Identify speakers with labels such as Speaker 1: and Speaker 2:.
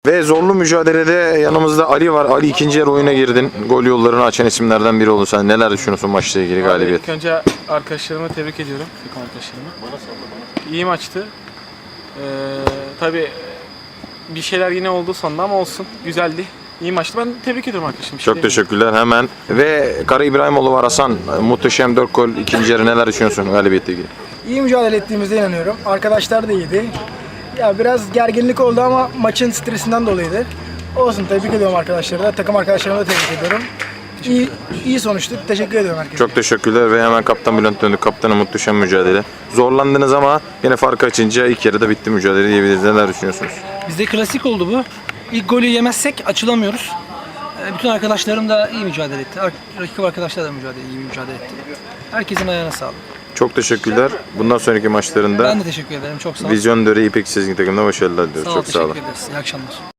Speaker 1: Ve zorlu mücadelede yanımızda Ali var. Ali ikinci yarı oyuna girdin. Gol yollarını açan isimlerden biri oldun. Sen neler düşünüyorsun maçla ilgili galibiyet?
Speaker 2: İlk önce arkadaşlarımı tebrik ediyorum. Takım arkadaşlarımı. İyi maçtı. Tabii bir şeyler yine oldu sonunda ama olsun. Güzeldi. İyi maçtı. Ben tebrik ediyorum arkadaşım.
Speaker 1: Çok teşekkürler hemen. Ve Kara İbrahimoğlu var Hasan. Muhteşem 4 gol ikinci yarı neler düşünüyorsun galibiyetle ilgili?
Speaker 3: İyi mücadele ettiğimize inanıyorum. Arkadaşlar da iyiydi. Ya biraz gerginlik oldu ama maçın stresinden dolayıydı. Olsun, tebrik ediyorum arkadaşları da. Takım arkadaşlarımı da tebrik ediyorum. İyi sonuçtu. Teşekkür ediyorum herkese.
Speaker 1: Çok teşekkürler ve hemen Kaptan Bülent döndü. Kaptanın muhteşem mücadele. Zorlandınız ama yine fark açınca ilk yarıda bitti mücadele diyebiliriz. Neler düşünüyorsunuz?
Speaker 4: Bizde klasik oldu bu. İlk golü yemezsek açılamıyoruz. Bütün arkadaşlarım da iyi mücadele etti. Rakip arkadaşlar da iyi mücadele etti. Herkesin ayağına sağlık.
Speaker 1: Çok teşekkürler. Bundan sonraki maçlarında
Speaker 4: Ben de teşekkür ederim. Çok sağ olun.
Speaker 1: Vizyon Döre İpek Sezgin takımına başarılar diliyoruz. Çok sağ olun.
Speaker 4: Teşekkür ederiz. İyi akşamlar.